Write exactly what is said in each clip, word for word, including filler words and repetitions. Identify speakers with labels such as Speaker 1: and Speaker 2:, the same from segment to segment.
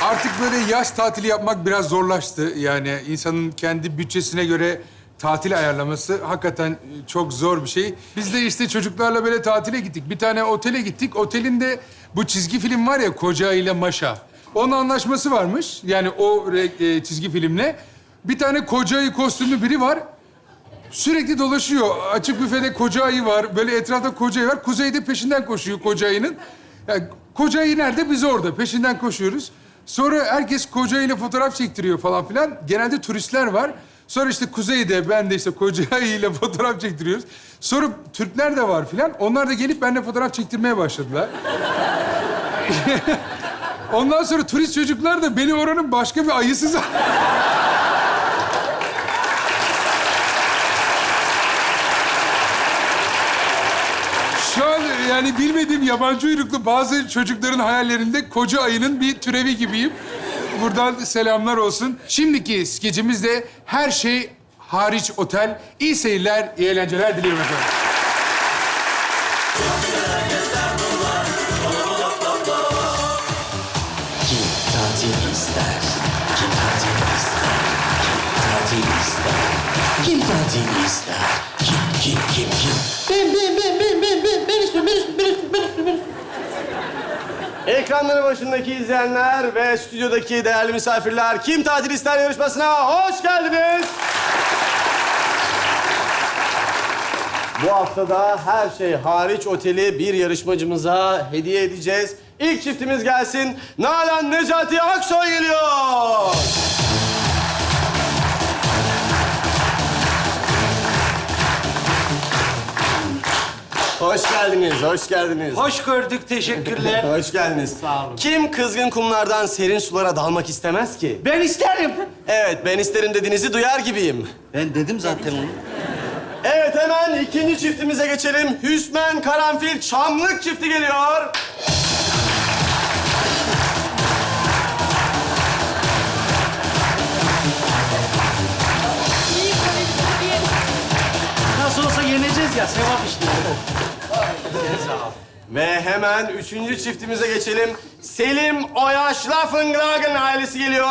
Speaker 1: Artık böyle yaz tatili yapmak biraz zorlaştı. Yani insanın kendi bütçesine göre tatil ayarlaması hakikaten çok zor bir şey. Biz de işte çocuklarla böyle tatile gittik. Bir tane otele gittik. Otelin de bu çizgi film var ya, Koca ile Maşa. Onun anlaşması varmış. Yani o e, çizgi filmle. Bir tane koca ayı kostümlü biri var. Sürekli dolaşıyor. Açık büfede koca ayı var. Böyle etrafta koca ayı var. Kuzeyde peşinden koşuyor koca ayının. Yani koca ayı nerede? Biz orada. Peşinden koşuyoruz. Sonra herkes koca ayıyla fotoğraf çektiriyor falan filan. Genelde turistler var. Sonra işte Kuzey'de, ben de işte koca ayıyla fotoğraf çektiriyoruz. Sonra Türkler de var filan. Onlar da gelip benimle fotoğraf çektirmeye başladılar. Ondan sonra turist çocuklar da beni oranın başka bir ayısı zannediyor. Şu an yani bilmediğim yabancı uyruklu bazı çocukların hayallerinde koca ayının bir türevi gibiyim. Buradan selamlar olsun. Şimdiki skecimiz de her şey hariç otel. İyi seyirler, iyi eğlenceler diliyorum efendim.
Speaker 2: Kim tatil ister? Kim tatil ister? Kim tatil ister? Kim tatil ister? Kim, kim, kim, kim?
Speaker 3: Ben, ben, ben, ben, ben, ben, ben istiyorum, ben istiyorum, ben istiyorum, ben istiyorum, ben istiyorum.
Speaker 4: Ekranları başındaki izleyenler ve stüdyodaki değerli misafirler Kim Tatil İster yarışmasına hoş geldiniz. Bu haftada her şey hariç oteli bir yarışmacımıza hediye edeceğiz. İlk çiftimiz gelsin. Nalan Necati Aksoy geliyor. Hoş geldiniz, hoş geldiniz.
Speaker 5: Hoş gördük, teşekkürler.
Speaker 4: Hoş geldiniz.
Speaker 5: Sağ olun.
Speaker 4: Kim kızgın kumlardan serin sulara dalmak istemez ki?
Speaker 5: Ben isterim.
Speaker 4: Evet, ben isterim dediğinizi duyar gibiyim.
Speaker 5: Ben dedim zaten onu.
Speaker 4: Evet, hemen ikinci çiftimize geçelim. Hüsmen Karanfil Çamlık çifti geliyor.
Speaker 5: Nasıl olsa yeneceğiz ya, sevap işte.
Speaker 4: Ve hemen üçüncü çiftimize geçelim. Selim Oyaş Laffengragen ailesi geliyor.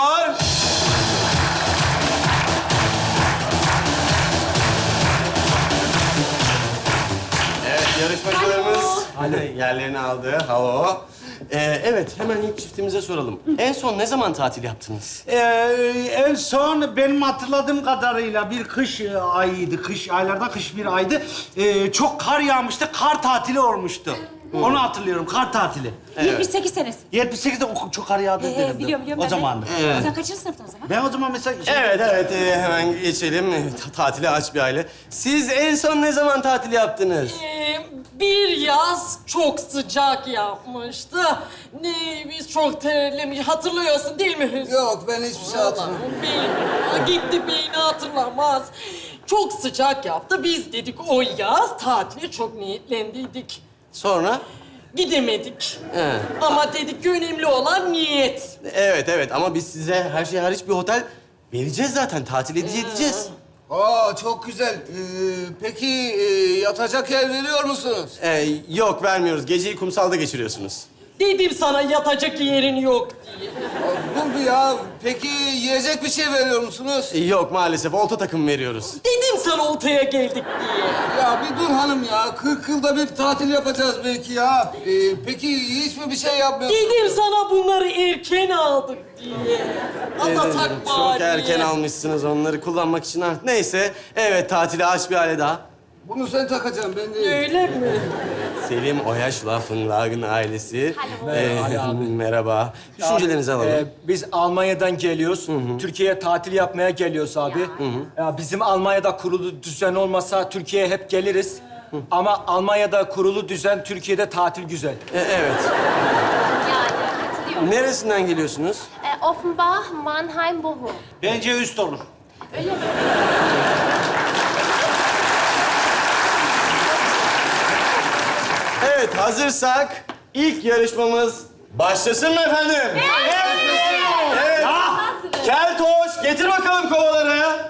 Speaker 4: Evet, yarışmacılarımız yerlerini aldı. Halo. Ee, evet, hemen ilk çiftimize soralım. En son ne zaman tatil yaptınız?
Speaker 5: Ee, en son benim hatırladığım kadarıyla bir kış e, ayıydı. Kış aylarda kış bir aydı. Ee, çok kar yağmıştı, kar tatili olmuştu. Onu hatırlıyorum, kar tatili.
Speaker 6: yetmiş sekiz senesi.
Speaker 5: yetmiş sekizde o çok kar yağdı
Speaker 6: Ee,
Speaker 5: dedim.
Speaker 6: biliyorum, biliyorum
Speaker 5: O
Speaker 6: ben de.
Speaker 5: zamandı.
Speaker 6: Sen kaçıncı sınıftın o zaman?
Speaker 5: Ben o zaman mesela... şey-
Speaker 4: Evet, evet. Ee, hemen geçelim. Ta- tatile aç bir aile. Siz en son ne zaman tatil yaptınız?
Speaker 7: Ee, bir yaz çok sıcak yapmıştı. Ne, biz çok terlemiş. Hatırlıyorsun değil mi Hüsnü?
Speaker 3: Yok, ben hiçbir şey hatırlamıyorum.
Speaker 7: Beyin, gitti beyni hatırlamaz. Çok sıcak yaptı. Biz dedik o yaz tatile çok niyetlendiydik.
Speaker 4: Sonra?
Speaker 7: Gidemedik.
Speaker 4: He.
Speaker 7: Ama dedik ki önemli olan niyet.
Speaker 4: Evet, evet. Ama biz size her şey hariç bir otel vereceğiz zaten. Tatil hediye edeceğiz.
Speaker 3: Aa, çok güzel. Ee, peki e, yatacak yer veriyor musunuz?
Speaker 4: Ee, yok, vermiyoruz. Geceyi kumsalda geçiriyorsunuz.
Speaker 7: Dedim sana yatacak yerin yok diye.
Speaker 3: Aa, dur bir ya. Peki yiyecek bir şey veriyor musunuz?
Speaker 4: Ee, yok, maalesef. Olta takım veriyoruz.
Speaker 7: Dedim sana oltaya geldik diye.
Speaker 3: Ya bir dur hanım ya. kırk yılda bir tatil yapacağız belki ya. Ee, peki hiç mi bir şey yapmıyorsunuz?
Speaker 7: Dedim sana bunları erken aldık diye. Anlatak
Speaker 4: Ee, Çok erken almışsınız onları kullanmak için artık. Neyse, evet tatile aç bir aile daha.
Speaker 3: Bunu sen takacaksın, ben değil.
Speaker 7: Öyle mi?
Speaker 4: Selim Oyaş Laffenlagen ailesi. Ee, merhaba. Düşüncelerinizi alalım.
Speaker 8: Ee, biz Almanya'dan geliyoruz. Türkiye'ye tatil yapmaya geliyoruz abi. Ya bizim Almanya'da kurulu düzen olmasa Türkiye'ye hep geliriz. Ama Almanya'da kurulu düzen, Türkiye'de tatil güzel.
Speaker 4: Ee, evet.
Speaker 9: Yani katılıyorum.
Speaker 4: Neresinden geliyorsunuz?
Speaker 9: Ee, Offenbach, Mannheim, Bochum.
Speaker 5: Bence üst olur.
Speaker 9: Öyle mi?
Speaker 4: Evet, hazırsak ilk yarışmamız başlasın mı efendim? Evet. Evet. Keltoş, getir bakalım kovaları.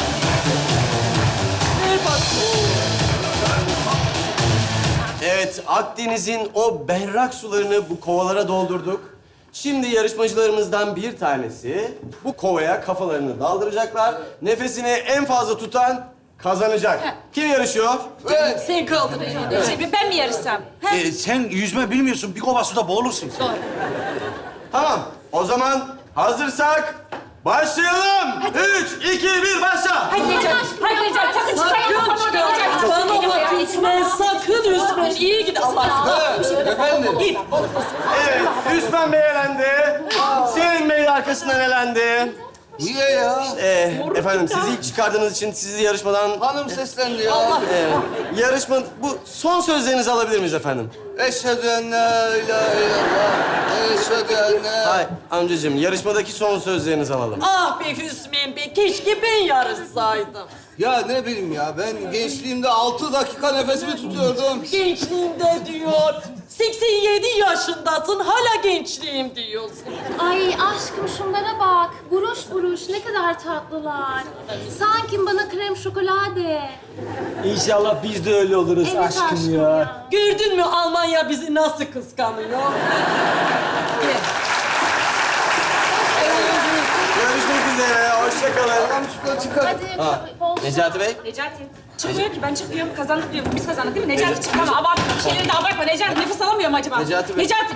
Speaker 4: Evet, Akdeniz'in o berrak sularını bu kovalara doldurduk. Şimdi yarışmacılarımızdan bir tanesi bu kovaya kafalarını daldıracaklar. Nefesini en fazla tutan kazanacak. Kim yarışıyor?
Speaker 7: Sen kaldır elini.
Speaker 6: Şey, ben mi yarışsam? Ha?
Speaker 5: Ee, sen yüzme bilmiyorsun. Bir kova suda boğulursun.
Speaker 4: Tamam. O zaman hazırsak başlayalım. Üç, iki, bir, başla.
Speaker 6: Hadi Necati. Hadi Necati. Sakın çıkmayın.
Speaker 7: Sakın çıkma. Bana bak Hüsmen, sakın Hüsmen. İyi git Allah aşkına.
Speaker 3: Efendim?
Speaker 7: Git.
Speaker 4: Evet, Hüsmen Bey elendi. Selim Bey arkasından elendi.
Speaker 3: Niye ya?
Speaker 4: Ee, efendim sizi ilk çıkardığınız için sizi yarışmadan...
Speaker 3: Hanım seslendi ya.
Speaker 4: Ee, yarışma... Bu son sözlerinizi alabilir miyiz efendim?
Speaker 3: Eşhedü en la ilahe illallah. Eşhedü en la...
Speaker 4: Hayır amcacığım, yarışmadaki son sözlerinizi alalım.
Speaker 7: Ah be Hüsmen Bey, keşke ben yarışsaydım.
Speaker 3: Ya ne bileyim ya, ben gençliğimde altı dakika nefesimi tutuyordum.
Speaker 7: Gençliğimde diyor. seksen yedi yaşındasın, hala gençliğim diyorsun.
Speaker 9: Ay aşkım şunlara bak. Buruş buruş ne kadar tatlılar. Sanki bana krem şokolade.
Speaker 8: İnşallah biz de öyle oluruz
Speaker 9: Evet
Speaker 8: aşkım,
Speaker 9: aşkım
Speaker 8: ya.
Speaker 9: ya.
Speaker 7: Gördün mü Almanya bizi nasıl kıskanıyor?
Speaker 4: Görüşmek üzere, hoşça kalın.
Speaker 3: Tamam şuradan çıkar.
Speaker 9: Hadi bol
Speaker 4: Necati Bey?
Speaker 6: Necati. Çıkmıyor ki. Ben çıkıyorum. Kazandık diyorum. Biz kazandık değil mi? Necati çık. Ama abartma. Bir şeyleri de abartma. Necati nefes alamıyor mu acaba?
Speaker 4: Necati Bey.
Speaker 6: Necati.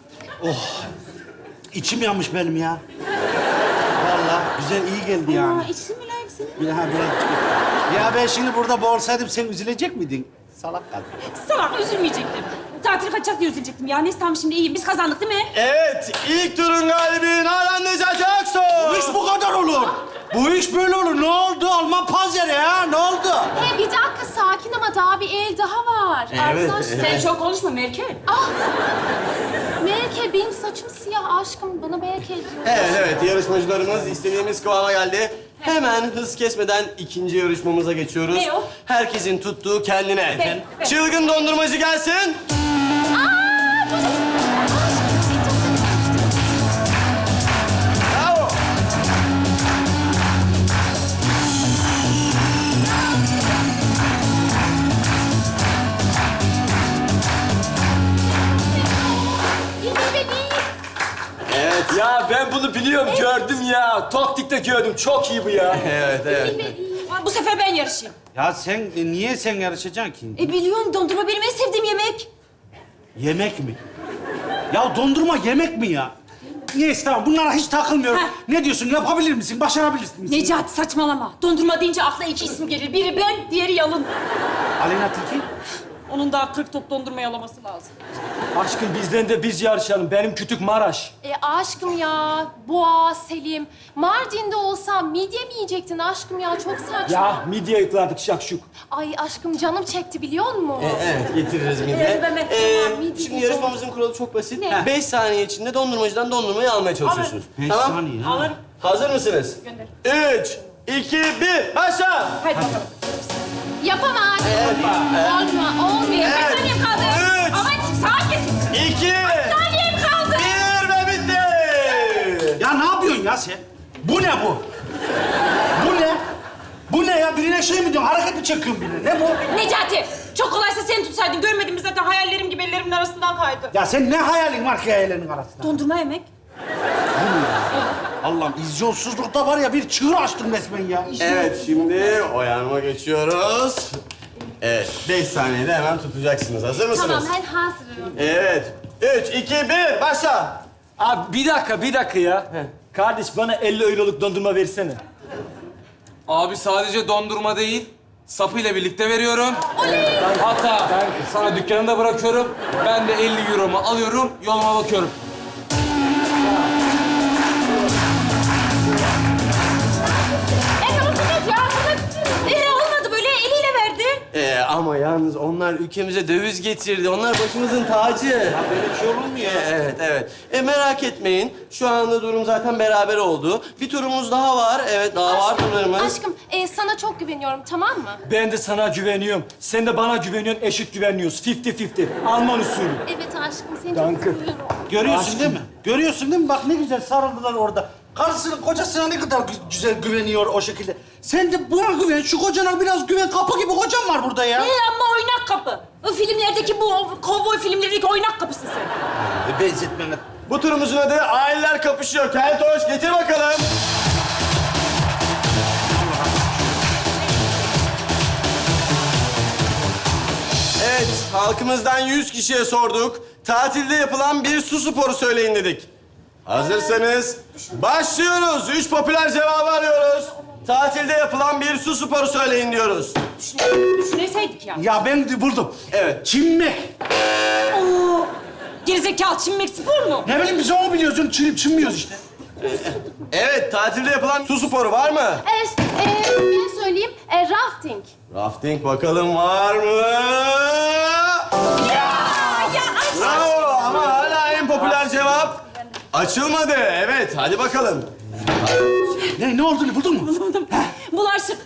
Speaker 5: İçim yanmış benim ya. Vallahi güzel, iyi geldi yani.
Speaker 6: Aa, içsin mülayim senin.
Speaker 5: Ya ben, ya ben şimdi burada boğulsaydım sen üzülecek miydin? Salak kadın.
Speaker 6: Salak üzülmeyecektim. Tatil kaçacak diye üzülecektim. Ya neyse tamam şimdi iyiyim. Biz kazandık değil mi?
Speaker 4: Evet, ilk turun galibi Nalan Necati Aksoy.
Speaker 5: Bu iş bu kadar olur. Bu iş böyle olur. Ne oldu? Alman panzeri ya. Ne oldu?
Speaker 9: Hey bir dakika sakin ama daha bir el daha var.
Speaker 4: Evet,
Speaker 9: Arkadaşlar.
Speaker 6: Sen çok konuşma Merkel.
Speaker 9: Ah! Melike benim saçım siyah aşkım. Bana Melike diyor.
Speaker 4: Evet, evet. Yarışmacılarımız istediğimiz kıvama geldi. Hemen hız kesmeden ikinci yarışmamıza geçiyoruz.
Speaker 6: Ne o?
Speaker 4: Herkesin tuttuğu kendine.
Speaker 6: Ben, ben.
Speaker 4: Çılgın dondurmacı gelsin. Bravo.
Speaker 9: Yine beni.
Speaker 4: Evet.
Speaker 8: Ya ben bunu biliyorum, gördüm ya. Toktik'te gördüm. Çok iyi bu ya.
Speaker 4: Evet, evet.
Speaker 6: Aa, Bu sefer ben yarışayım.
Speaker 5: Ya sen e, niye sen yarışacaksın ki?
Speaker 6: E biliyorum dondurma benim en sevdiğim yemek.
Speaker 5: Yemek mi? Ya dondurma yemek mi ya? Neyse tamam bunlara hiç takılmıyorum.
Speaker 6: Heh.
Speaker 5: Ne diyorsun? Yapabilir misin? Başarabilir misin?
Speaker 6: Necati saçmalama. Dondurma deyince akla iki isim gelir. Biri ben, diğeri Yalın.
Speaker 5: Aleyna Tilki?
Speaker 6: Onun daha kırk top dondurma yalaması lazım.
Speaker 8: Aşkım bizden de biz yarışalım. Benim kütük Maraş.
Speaker 9: E aşkım ya, Boğa, Selim. Mardin'de olsam midye mi yiyecektin aşkım ya? Çok saçma.
Speaker 8: Ya midye yıkladık şakşuk.
Speaker 9: Ay aşkım canım çekti biliyor musun?
Speaker 4: E, evet, getiririz midye.
Speaker 6: Evet, ben- ben-
Speaker 4: Ee,
Speaker 9: Tamam, midye
Speaker 4: şimdi
Speaker 9: de-
Speaker 4: yarışmamızın kuralı çok basit.
Speaker 9: Ne?
Speaker 4: Beş saniye içinde dondurmacıdan dondurmayı almaya çalışıyorsunuz.
Speaker 5: Beş
Speaker 4: Tamam.
Speaker 5: saniye ha.
Speaker 6: Alırım.
Speaker 4: Hazır mısınız? Üç, iki, bir, başla!
Speaker 6: Hadi bakalım.
Speaker 9: Yapamaz. Olma, olmuyor.
Speaker 4: Evet.
Speaker 6: Kaç saniyem kaldı?
Speaker 4: Üç.
Speaker 6: Ama sakin.
Speaker 4: İki,
Speaker 6: Saniyem kaldı.
Speaker 4: bir ve bitti!
Speaker 5: Ya ne yapıyorsun ya sen? Bu ne bu? Bu ne? Bu ne ya? Birine şey mi diyorsun? Hareket mi çekiyorsun birine? Ne bu?
Speaker 6: Necati, çok kolaysa sen tutsaydın. Görmedin mi zaten hayallerim gibi ellerimin arasından kaydı.
Speaker 5: Ya sen ne hayalin var ki hayallerin arasında?
Speaker 6: Dondurma yemek.
Speaker 5: Allah'ım izyonsuzlukta var ya bir çığır açtın resmen ya.
Speaker 4: Evet, şimdi oyanma geçiyoruz. Evet, beş saniyede hemen tutacaksınız. Hazır mısınız?
Speaker 9: Tamam ben hazırım.
Speaker 4: Evet. Üç, iki, bir, başla!
Speaker 8: Abi bir dakika, bir dakika ya. Kardeş bana elli euroluk dondurma versene.
Speaker 10: Abi sadece dondurma değil, sapıyla birlikte veriyorum. Hatta sana dükkanında bırakıyorum. Ben de elli euromu alıyorum, yoluma bakıyorum.
Speaker 6: E tamam evet ya. Bunu... E olmadı böyle eliyle verdi.
Speaker 4: Ee, ama yalnız onlar ülkemize döviz getirdi. Onlar başımızın tacı.
Speaker 5: Böyle bir şey olur mu ya?
Speaker 4: Evet, evet. E, merak etmeyin. Şu anda durum zaten beraber oldu. Bir turumuz daha var. Evet, daha var turlarımız.
Speaker 9: Aşkım e, sana çok güveniyorum tamam mı?
Speaker 8: Ben de sana güveniyorum. Sen de bana güveniyorsun, eşit güveniyoruz. Fifty fifty. Alman usulü.
Speaker 9: Evet aşkım seni
Speaker 8: Danke.
Speaker 9: çok seviyorum.
Speaker 5: Görüyorsun değil mi? Görüyorsun değil mi? Bak ne güzel sarıldılar orada. Karısının kocasına ne kadar gü- güzel güveniyor o şekilde. Sen de buna güven, şu kocana biraz güven. Kapı gibi kocam var burada ya.
Speaker 6: E ama oynak kapı. O filmlerdeki bu o kovboy filmlerindeki oynak kapısı sen.
Speaker 5: E, benzetmene.
Speaker 4: Bu turumuzun adı Aileler Kapışıyor. Keltoş getir bakalım. Evet, halkımızdan yüz kişiye sorduk. Tatilde yapılan bir su sporu söyleyin dedik. Hazırsanız başlıyoruz. Üç popüler cevabı arıyoruz. Tatilde yapılan bir su sporu söyleyin diyoruz.
Speaker 6: Düşüneseydik ya.
Speaker 5: Ya ben de buldum.
Speaker 4: Evet.
Speaker 5: Çimmek.
Speaker 6: Oo, gerizekalı çimmek spor mu?
Speaker 5: Ne bileyim biz onu biliyoruz. Çilip çimmiyoruz işte.
Speaker 4: Evet, tatilde yapılan su sporu var mı?
Speaker 9: Evet, e, ben söyleyeyim. E, rafting.
Speaker 4: Rafting bakalım var mı?
Speaker 6: Ya aç.
Speaker 4: Bravo ama hala en popüler cevap açılmadı. Evet, hadi bakalım.
Speaker 5: Ne, ne oldu? Buldun mu?
Speaker 6: Bulaşık.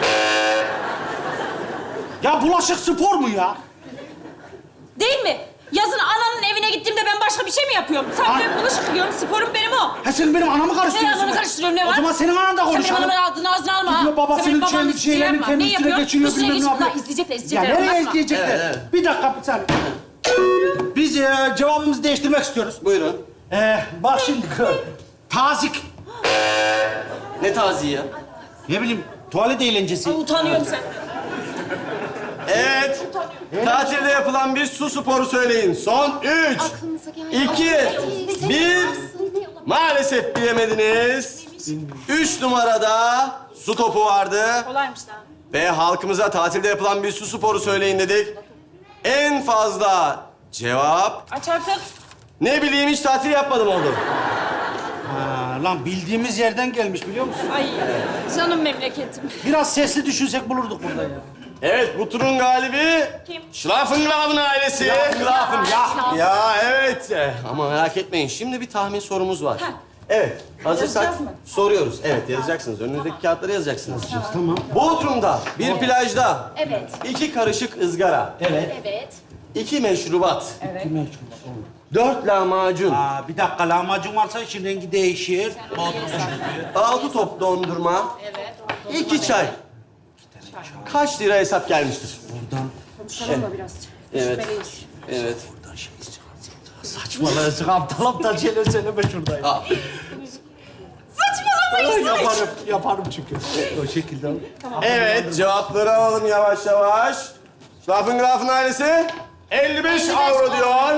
Speaker 5: Ya bulaşık spor mu ya?
Speaker 6: Değil mi? Yazın ananın evine gittiğimde ben başka bir şey mi yapıyorum? Sen
Speaker 5: Ha.
Speaker 6: benim bulaşık yıkıyorum, sporum benim o.
Speaker 5: Ha sen benim anamı
Speaker 6: Ne
Speaker 5: karıştırıyorsun.
Speaker 6: ananı karıştırıyorum, ne var?
Speaker 5: O zaman senin anan da
Speaker 6: Sen benim
Speaker 5: konuşalım.
Speaker 6: anamın ağzını ağzına alma ha.
Speaker 5: Gidiyor babasının
Speaker 6: Sen benim babamın
Speaker 5: kendi şeylerini
Speaker 6: yapma.
Speaker 5: kendi
Speaker 6: Ne
Speaker 5: üstüne
Speaker 6: yapıyor?
Speaker 5: geçiriyor,
Speaker 6: Üstüne
Speaker 5: bilmem ne
Speaker 6: geçiyor.
Speaker 5: yapıyor.
Speaker 6: Lan izleyecekler,
Speaker 5: Ya
Speaker 6: izleyecekler.
Speaker 5: nereye
Speaker 6: anlatma.
Speaker 5: izleyecekler?
Speaker 4: Evet, evet.
Speaker 5: Bir dakika, bir saniye. Biz e, cevabımızı değiştirmek istiyoruz.
Speaker 4: Buyurun.
Speaker 5: E, bak şimdi, tazik.
Speaker 4: Ne taziği ya?
Speaker 5: Ne bileyim, tuvalet eğlencesi.
Speaker 6: Ay, utanıyorum sen.
Speaker 4: Evet. Tatilde yapılan bir su sporu söyleyin. Son üç,
Speaker 9: Aklınıza geldi.
Speaker 4: iki,
Speaker 9: Hadi,
Speaker 4: bir.
Speaker 9: sen-
Speaker 4: Maalesef bilemediniz. Üç numarada su topu vardı.
Speaker 6: Kolaymış daha.
Speaker 4: Ve halkımıza tatilde yapılan bir su sporu söyleyin dedik. En fazla cevap...
Speaker 6: Aç artık.
Speaker 4: Ne bileyim hiç tatil yapmadım oldu.
Speaker 5: Ha, lan bildiğimiz yerden gelmiş biliyor musun?
Speaker 6: Ay canım memleketim.
Speaker 5: Biraz sesli düşünsek bulurduk burada ya.
Speaker 4: Evet, bu turun galibi...
Speaker 6: Kim?
Speaker 4: Schlafengraben ailesi.
Speaker 5: Schlafen, ya.
Speaker 4: Ya evet. Eh, Ama merak etmeyin, şimdi bir tahmin sorumuz var. Evet, hazırsak
Speaker 6: Yazacağız mı?
Speaker 4: soruyoruz. Evet, yazacaksınız. Önünüzdeki kağıtları yazacaksınız.
Speaker 5: Tamam.
Speaker 4: Bodrum'da bir plajda
Speaker 9: Evet.
Speaker 4: iki karışık ızgara,
Speaker 5: Evet.
Speaker 9: Evet.
Speaker 4: iki meşrubat,
Speaker 6: Evet.
Speaker 4: dört lahmacun,
Speaker 5: Aa, bir dakika, lahmacun varsa için rengi değişir.
Speaker 4: altı top dondurma,
Speaker 6: Evet.
Speaker 4: iki çay. Kaç lira hesap gelmiştir?
Speaker 6: Konuşalım da biraz.
Speaker 4: Evet.
Speaker 6: Şüpheliyiz.
Speaker 4: Evet.
Speaker 5: Saçmalıyorsun, aptal aptal şeyler söyleme şurada ya.
Speaker 4: Aa,
Speaker 6: Saçmalamayın.
Speaker 5: Yaparım, yaparım çünkü. O şekilde.
Speaker 4: Evet, cevapları alalım yavaş yavaş. Schlafengrafen ailesi elli beş avro diyor.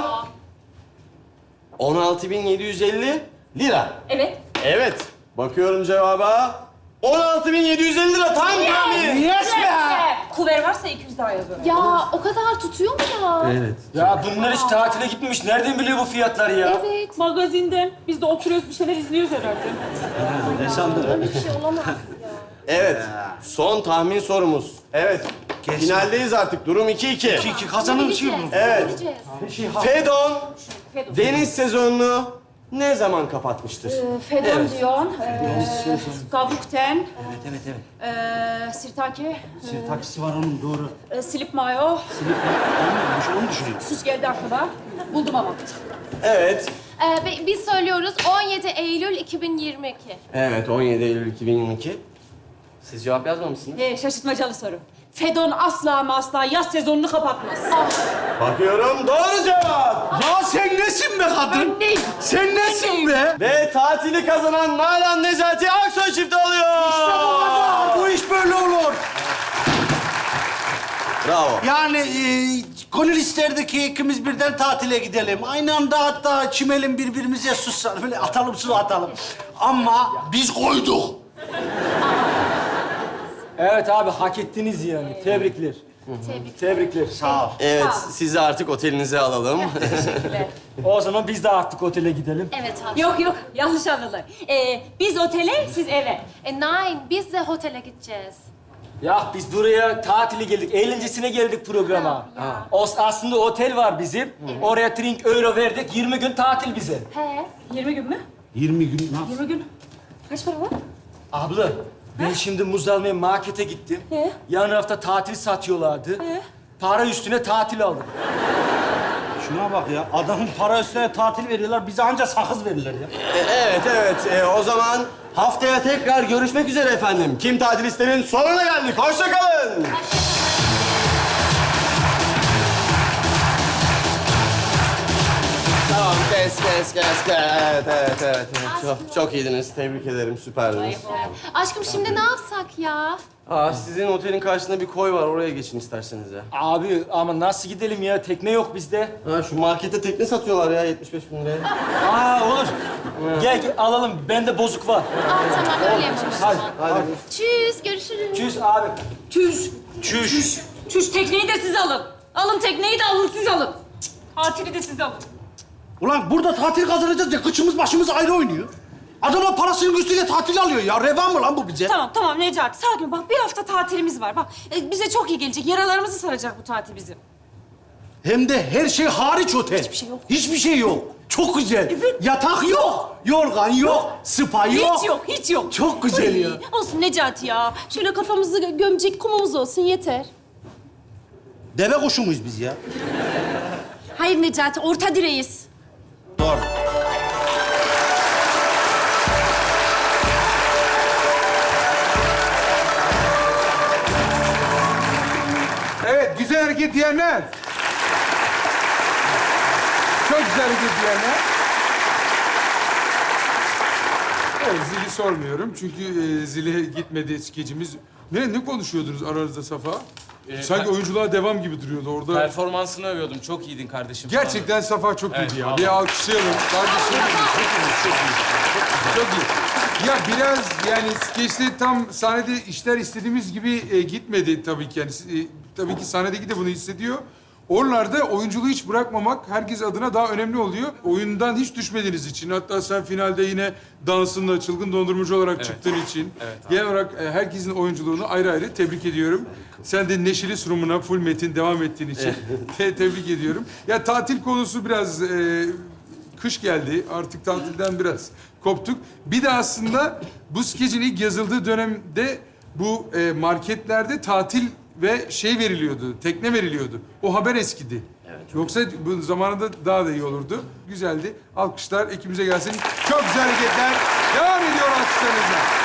Speaker 4: on altı bin yedi yüz elli lira.
Speaker 6: Evet.
Speaker 4: Evet, bakıyorum cevaba. on altı bin yedi yüz elli lira tam tahmin.
Speaker 5: Yes be!
Speaker 6: Kuver varsa iki yüz daha yazıyorum.
Speaker 9: Ya o kadar tutuyor mu ya?
Speaker 4: Evet.
Speaker 8: Ya bunlar hiç tatile gitmemiş. Nereden biliyor bu fiyatları ya?
Speaker 9: Evet.
Speaker 6: Magazinden. Biz de oturuyoruz bir şeyler izliyoruz herhalde.
Speaker 5: Ne sandın?
Speaker 9: Öyle bir şey olamaz ya.
Speaker 4: Evet, son tahmin sorumuz. Evet, finaldeyiz artık. Durum iki iki.
Speaker 5: İki iki kazanın şey mi?
Speaker 4: Evet.
Speaker 9: Gideceğiz.
Speaker 4: Fedon
Speaker 6: Fedon.
Speaker 4: deniz sezonunu ne zaman kapatmıştır?
Speaker 6: Ee, Fedon
Speaker 4: Evet.
Speaker 6: diyorsun. Ee, Gavukten.
Speaker 5: Evet, evet, evet.
Speaker 6: Ee, Sirtaki.
Speaker 5: Senin taksi var onun, doğru.
Speaker 6: Ee, Slip mayo.
Speaker 5: Silip onu düşünüyorum.
Speaker 6: Sus geldi aklıma. Buldum ama.
Speaker 4: Evet.
Speaker 9: Ee, bi- biz söylüyoruz on yedi Eylül iki bin yirmi iki.
Speaker 4: Evet, on yedi Eylül iki bin yirmi iki. Siz cevap yazmamışsınız.
Speaker 6: Ee, şaşırtmacalı soru. Fedon asla ama asla yaz sezonunu kapatmaz.
Speaker 4: Bakıyorum doğru cevap.
Speaker 5: Ya sen nesin be kadın?
Speaker 6: neyim?
Speaker 5: Sen nesin be?
Speaker 4: Ve tatili kazanan Nalan Necati Aksoy çifti oluyor.
Speaker 5: Aa, bu iş böyle olur.
Speaker 4: Bravo.
Speaker 5: Yani e, gönül isterdi ki ikimiz birden tatile gidelim. Aynı anda hatta çimelim birbirimize sussan. Böyle atalım su atalım. Ama biz koyduk.
Speaker 8: Evet abi hak ettiniz yani. Tebrikler.
Speaker 9: Tebrik.
Speaker 8: Tebrikler.
Speaker 5: Sağ ol.
Speaker 4: Evet,
Speaker 6: Sağ ol.
Speaker 4: sizi artık otelinize alalım.
Speaker 6: Teşekkürler.
Speaker 8: O zaman biz de artık otele gidelim.
Speaker 9: Evet abi.
Speaker 6: Yok yok yanlış anladılar. Ee, biz otele siz eve.
Speaker 9: E, nine, biz de otele gideceğiz.
Speaker 8: Ya biz buraya tatili geldik, eğlencesine geldik programa. O, aslında otel var bizim. Oraya drink euro verdik, yirmi gün tatil bize.
Speaker 9: He.
Speaker 6: yirmi gün mü?
Speaker 5: yirmi gün ne yap-
Speaker 6: yirmi gün. Kaç para var?
Speaker 8: Abla, ben şimdi muz almaya markete gittim.
Speaker 6: He?
Speaker 8: Yan hafta tatil satıyorlardı.
Speaker 6: He?
Speaker 8: Para üstüne tatil aldım.
Speaker 5: Şuna bak ya. Adamın para üstüne tatil veriyorlar. Bize anca sakız verirler ya.
Speaker 4: E, evet, evet. E, o zaman haftaya tekrar görüşmek üzere efendim. Kim tatil isterin sonuna geldik. Hoşça kalın. Kes, kes, kes. Evet, evet, evet. Çok, çok iyiydiniz. Tebrik ederim. Süperdiniz.
Speaker 9: Aşkım şimdi ne yapsak ya?
Speaker 4: Aa, sizin otelin karşısında bir koy var. Oraya geçin isterseniz ya.
Speaker 8: Abi ama nasıl gidelim ya? Tekne yok bizde.
Speaker 4: Ha, şu markette tekne satıyorlar ya yetmiş beş bin liraya.
Speaker 8: Aa olur. Gel, gel alalım. Bende bozuk var.
Speaker 9: Aa tamam öyle yapalım.
Speaker 8: Hadi.
Speaker 4: Hadi.
Speaker 9: Tschüss, görüşürüz.
Speaker 8: Çüz abi.
Speaker 6: Çüş.
Speaker 8: Çüş.
Speaker 6: Çüş tekneyi de siz alın. Alın tekneyi de alın siz alın. Cık, tatili de siz alın.
Speaker 5: Ulan burada tatil kazanacağız ya kıçımız başımız ayrı oynuyor. Adamlar parasının üstüyle tatil alıyor ya. Revan mı lan bu bize?
Speaker 6: Tamam tamam Necati sakin ol. Bak bir hafta tatilimiz var. Bak e, bize çok iyi gelecek. Yaralarımızı saracak bu tatil bizim.
Speaker 5: Hem de her şey hariç otel.
Speaker 6: Hiçbir şey yok.
Speaker 5: Hiçbir şey yok. Çok güzel.
Speaker 6: Evet.
Speaker 5: Yatak yok. Yorgan yok. Spa yok.
Speaker 6: Hiç yok, hiç yok.
Speaker 5: Çok güzel ya.
Speaker 9: Olsun Necati ya. Şöyle kafamızı gö- gömecek kumumuz olsun yeter.
Speaker 5: Deve kuşu muyuz biz ya?
Speaker 9: Hayır Necati, orta direğiz.
Speaker 5: Doğru.
Speaker 1: Evet, güzel hareket diyenler. Çok güzel hareket diyenler. Evet, zili sormuyorum çünkü e, zile gitmedi skecimiz. Ne, ne konuşuyordunuz aranızda Safa?
Speaker 10: Ee,
Speaker 1: Sanki
Speaker 10: per-
Speaker 1: oyunculuğa devam gibi duruyordu orada.
Speaker 10: Performansını övüyordum. Çok iyiydin kardeşim. falan.
Speaker 1: Gerçekten Safa çok
Speaker 10: Evet,
Speaker 1: iyiydi ya.
Speaker 10: vallahi.
Speaker 1: Bir alkışlayalım. Kardeşim çok iyi, çok iyi. Çok iyi. Ya biraz yani skeçte tam sahnede işler istediğimiz gibi e, gitmedi tabii ki. Yani, e, tabii ki sahnedeki de bunu hissediyor. Oralarda oyunculuğu hiç bırakmamak herkes adına daha önemli oluyor. Oyundan hiç düşmediğiniz için. Hatta sen finalde yine dansınla çılgın dondurmacı olarak çıktığın için.
Speaker 10: Evet abi.
Speaker 1: Genel olarak e, herkesin oyunculuğunu ayrı ayrı tebrik ediyorum. Sen de neşeli sunumuna full metin devam ettiğin için te- tebrik ediyorum. Ya tatil konusu biraz e, kış geldi. Artık tatilden biraz koptuk. Bir de aslında bu skecin ilk yazıldığı dönemde bu e, marketlerde tatil ve şey veriliyordu, tekne veriliyordu. O haber eskidi. Yoksa bu zamanında daha da iyi olurdu. Güzeldi. Alkışlar ekibimize gelsin. Çok güzel hareketler. Devam ediyor alkışlarınızla.